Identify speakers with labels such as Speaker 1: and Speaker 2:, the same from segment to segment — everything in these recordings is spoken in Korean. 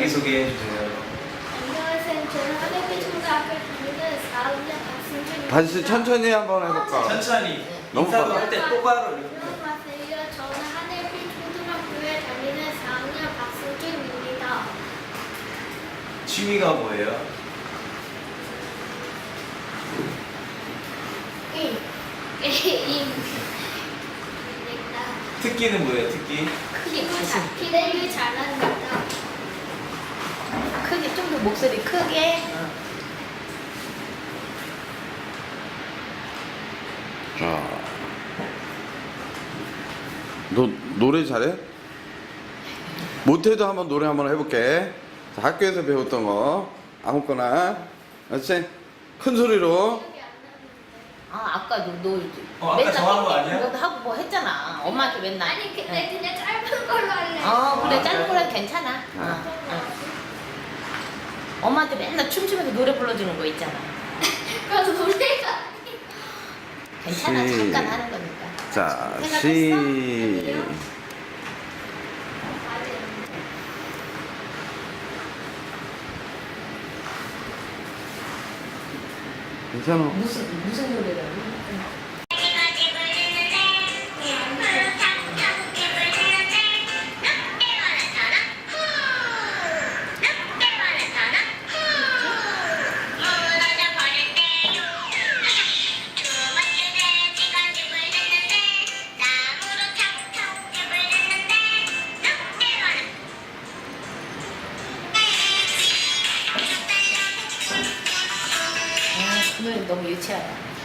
Speaker 1: 자기소개해 주세요.
Speaker 2: 안녕하세요. 저는 하늘빛 초등학교 다니는 4학년 박승준입니다.
Speaker 3: 다시 천천히 한번 해볼까?
Speaker 1: 천천히
Speaker 3: 너무
Speaker 1: 인사도
Speaker 3: 빨라.
Speaker 1: 할 때 똑바로 이렇게.
Speaker 2: 안녕하세요. 저는 하늘빛 초등학교에 다니는 4학년 박승준입니다.
Speaker 1: 취미가 뭐예요?
Speaker 2: 게임.
Speaker 1: 특기는 뭐예요? 특기?
Speaker 2: 기대를 잘합니다.
Speaker 4: 크게 좀 더 목소리 크게.
Speaker 3: 자, 너 노래 잘해? 못해도 한번 노래 한번 해볼게. 자, 학교에서 배웠던 거 아무거나, 알았지? 큰 소리로.
Speaker 4: 아까 너
Speaker 1: 아까 저 한 거 아니야?
Speaker 4: 너도 하고 뭐 했잖아. 엄마한테 맨날.
Speaker 2: 아니 근데 그냥 짧은 걸로 할래.
Speaker 4: 그래
Speaker 1: 아,
Speaker 4: 짧은
Speaker 1: 그래?
Speaker 4: 거라도 괜찮아. 엄마한테 맨날 춤추면서 노래 불러주는 거 있잖아.
Speaker 2: 그래서 노래가
Speaker 4: 괜찮아.
Speaker 3: 시-
Speaker 4: 잠깐 하는 거니까.
Speaker 3: 자,
Speaker 4: 생각했어?
Speaker 3: 괜찮아.
Speaker 4: 무슨 노래를? 그 노래 너무 유치하다.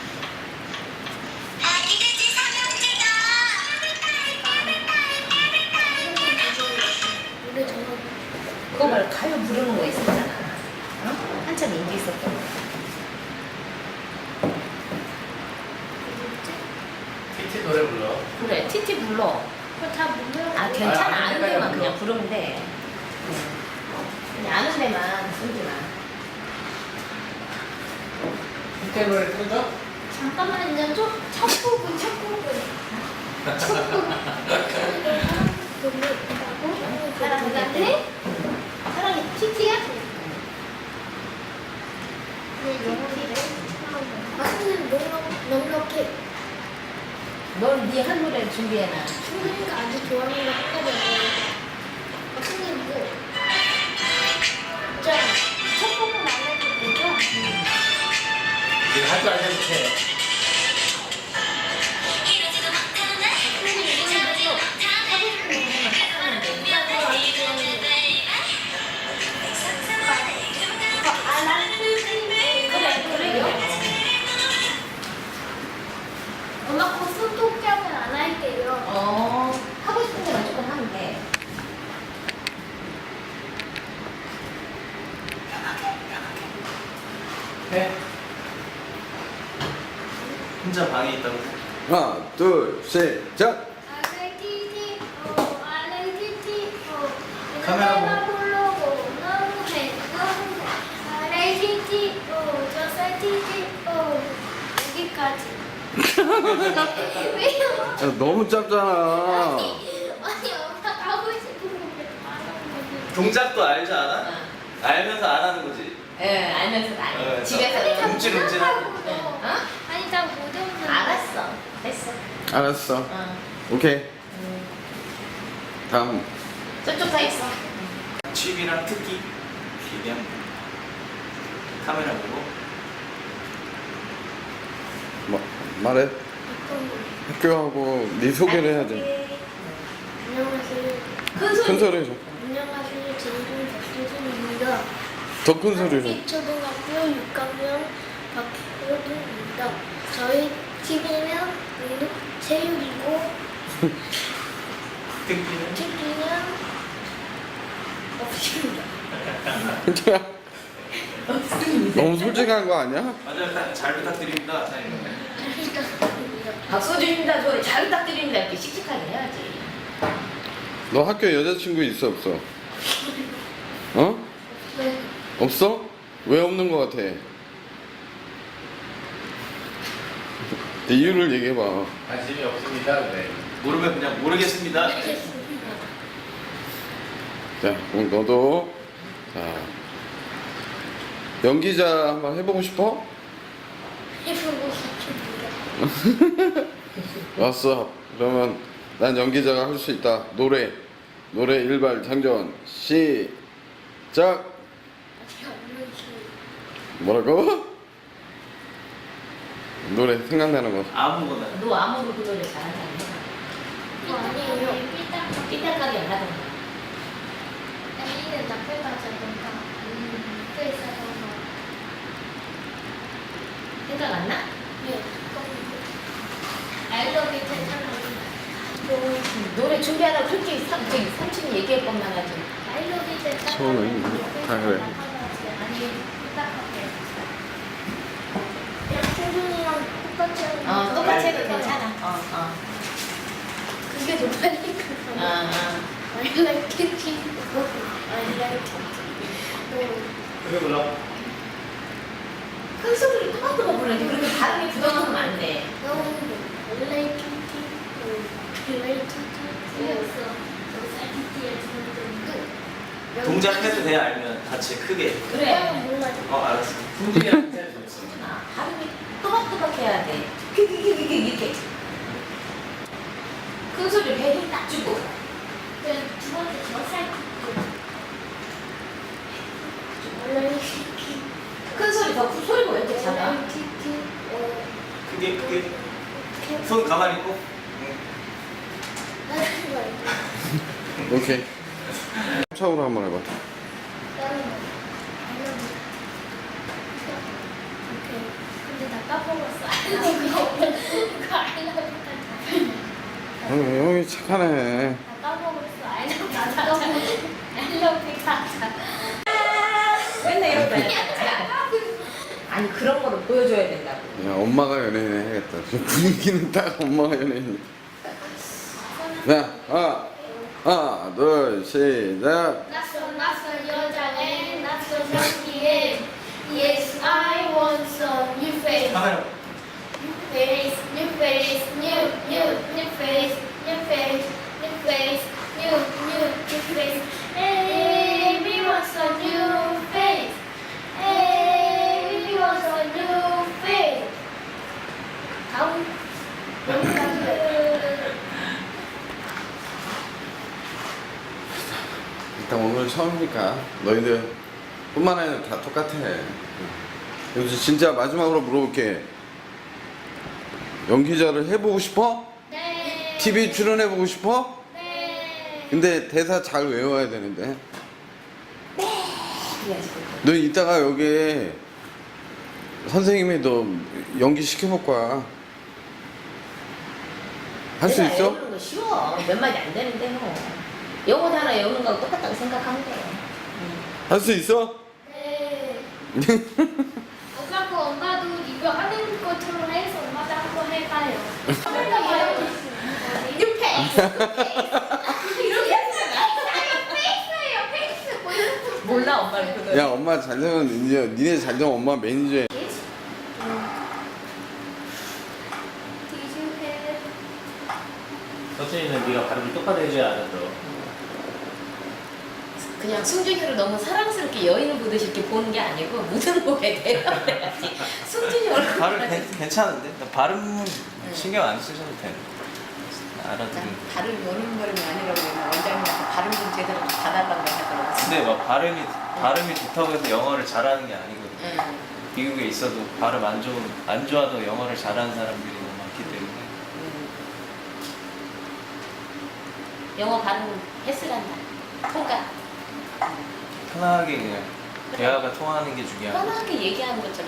Speaker 2: 노래 정말
Speaker 4: 그거 말고 가요 부르는 거 있었잖아. 어? 한참 인기 있었던 거.
Speaker 1: TT 노래 불러.
Speaker 4: 그래, 티티 불러.
Speaker 2: 그거 다 모르는
Speaker 4: 아 괜찮아.
Speaker 1: 아,
Speaker 4: 아는
Speaker 1: 헷갈려,
Speaker 4: 데만
Speaker 1: 불러.
Speaker 4: 그냥 부르면 돼. 그냥 아는 데만 부르지 마.
Speaker 1: TT 노래 틀어줘?
Speaker 2: 잠깐만요. 첫 부분. 너무 예쁘다고? 사랑해? 사랑해. 티티야? 네, 티티를. 선생님 넉넉해.
Speaker 4: 넌네한 노래 준비해놔.
Speaker 2: 충분히가 아주 좋아하는 거 하거든요. 선생님 뭐? 첫 부분 안 해도 되죠?
Speaker 1: 이거 할줄 알면 해.
Speaker 2: 엄마 그 손톱잡은 안 할게요.
Speaker 4: 하고 싶은 데만 조금 하면 돼.
Speaker 1: 해. 혼자 방에 있다고.
Speaker 3: 하나, 둘, 셋, 자.
Speaker 1: 카메라 보고.
Speaker 2: 여기까지. 왜요?
Speaker 3: 야, 너무 짧잖아.
Speaker 2: 아니 엄마 하고 싶은 거
Speaker 1: 동작도 알지 않아? 알면서 안 하는 거지.
Speaker 4: 예, 알면서도 안 해.
Speaker 1: 어,
Speaker 4: 집에서.
Speaker 1: 움찔움찔하고.
Speaker 2: 아니 다 못해보는
Speaker 4: 알았어. 됐어.
Speaker 3: 알았어.
Speaker 4: 어.
Speaker 3: 오케이. 다음.
Speaker 4: 저쪽 다 있어.
Speaker 1: 취미랑 특기 얘기하면 돼. 카메라 보고.
Speaker 3: 뭐, 말해. 학교하고 네 소개를 해야지.
Speaker 2: 안녕하세요.
Speaker 3: 큰 소리 해줘.
Speaker 2: 안녕하세요. 제이름 박효준입니다.
Speaker 3: 더 큰 소리로.
Speaker 2: 초등학교 6학년 박효준입니다. 저희 TV는 체육이고
Speaker 1: 특기는?
Speaker 2: 특기는 없습니다.
Speaker 3: 너무 솔직한 거 아니야?
Speaker 1: 맞아요. 잘 부탁드립니다. 사장님.
Speaker 4: 박소준입니다. 소리 잘 부탁드립니다. 이렇게 씩씩하게 해야지.
Speaker 3: 너 학교에 여자친구 있어 없어? 어?
Speaker 2: 네.
Speaker 3: 없어? 왜 없는 거 같아? 이유를 얘기해봐.
Speaker 1: 관심이 없습니다. 네. 모르면 그냥 모르겠습니다.
Speaker 3: 자, 그럼 너도 자, 연기자 한번 해보고 싶어?
Speaker 2: 해보고 싶습니다.
Speaker 3: 왔어. 그러면 난 연기자가 할 수 있다. 노래 일발 장전 시작. 뭐라고? 노래 생각나는 거.
Speaker 1: 아무거나.
Speaker 4: 너 아무로 그 노래 잘하지 않냐?
Speaker 2: 이거 아니에요.
Speaker 4: 삐딱하게 안 하던가.
Speaker 2: 아니는 나쁠 가자던가. 또 있어서.
Speaker 4: 생각 안 나?
Speaker 2: 네. 알러뷰 괜찮아요.
Speaker 4: 노래 준비하라고 그렇게 삼촌이 얘기할 것만 하지.
Speaker 2: 알러뷰 괜찮아요.
Speaker 3: 처음엔 다 그래.
Speaker 2: 아니, 딱하게. 그냥 충분이랑 똑같이 하는 거.
Speaker 4: 똑같이 해도 괜찮아.
Speaker 2: 그게 더 빨리 가서. I like kitty. I like kitty.
Speaker 1: 그게 몰라.
Speaker 4: 큰 소리를 또박또박 부르는데 그렇게 발음이 부담하면 안 돼.
Speaker 2: 너무 I like kitty. I like kitty. 틀렸어. kitty에 주는
Speaker 1: 동작해도 돼 아니면 같이 크게.
Speaker 4: 그래.
Speaker 2: 몰라요.
Speaker 1: 알았어. 승진이랑 진짜 재밌어.
Speaker 4: 발음이 또박또박 해야 돼. 이렇게. 큰 소리를 배에 힘 딱 주고.
Speaker 2: 두 번째 저살 I like kitty.
Speaker 4: 큰 소리 더 소리가 왜 이렇게
Speaker 2: I
Speaker 4: 작아?
Speaker 2: like kitty.
Speaker 1: 크게. 손 가만히 있고.
Speaker 3: 오케이. 처음으로 한번 해봐.
Speaker 2: 근데 나 까먹었어.
Speaker 3: 형이 착하네.
Speaker 2: 나 까먹었어. 알러뷰 가자.
Speaker 4: 맨날 이런 거 해. 아니 그런 거를 보여줘야 된다고.
Speaker 3: 야, 엄마가 연예인 해야겠다. 지금 분위기는 딱 엄마가 연예인. 자, 하나, 둘, 시작.
Speaker 2: 낯선 여자애 낯선 향기에 Yes, I want some new face.
Speaker 1: 카메라.
Speaker 2: New face, new face, new face, new face, new face. Hey, we want some new face. Hey, we want some new face. 다음.
Speaker 3: 일단 오늘 처음이니까 너희들 뿐만 아니라 다 똑같아. 여기서 진짜 마지막으로 물어볼게. 연기자를 해보고 싶어?
Speaker 2: 네.
Speaker 3: TV 출연해보고 싶어?
Speaker 2: 네.
Speaker 3: 근데 대사 잘 외워야 되는데.
Speaker 4: 그래야지.
Speaker 3: 너 이따가 여기에 선생님이 너 연기 시켜볼 거야. 할 수 있어?
Speaker 4: 외우는 거 쉬워. 몇 마디 안 되는데 뭐. 영어 하나 외우는 거하고 똑같다고 생각하면 돼.
Speaker 3: 할 수 있어?
Speaker 2: 네. 어차피 엄마도 이거 하는 것처럼 해서 엄마도 한번 해봐요.
Speaker 4: 이렇게 몰라 엄마는 그거.
Speaker 3: 야, 엄마 잘 되면 이제 니네 잘 되면 엄마 매니저야.
Speaker 1: 서준이는 네가 발음을 똑바로 해줘야 알아들어.
Speaker 4: 그냥 승준이를 너무 사랑스럽게 여인을 보듯이 이렇게 보는 게 아니고 무슨 보게 돼요. 그래야지. 승준이 얼굴
Speaker 1: 발음 괜찮은데? 나 발음 신경 안 쓰셔도 돼. 알아들으면.
Speaker 4: 발음 노름거림이 아니라고 그러면 원장님한테 발음 좀 제대로 좀 봐달라고 하더라고요.
Speaker 1: 근데 막 발음이 좋다고 해서 영어를 잘하는 게 아니거든. 미국에 있어도 발음 안 좋아도 영어를 잘하는 사람들이 너무 많기 때문에.
Speaker 4: 영어 발음 했으란다. 통과.
Speaker 1: 편하게 그냥 대화가 통하는 게 중요하고.
Speaker 4: 편하게 얘기하는 것처럼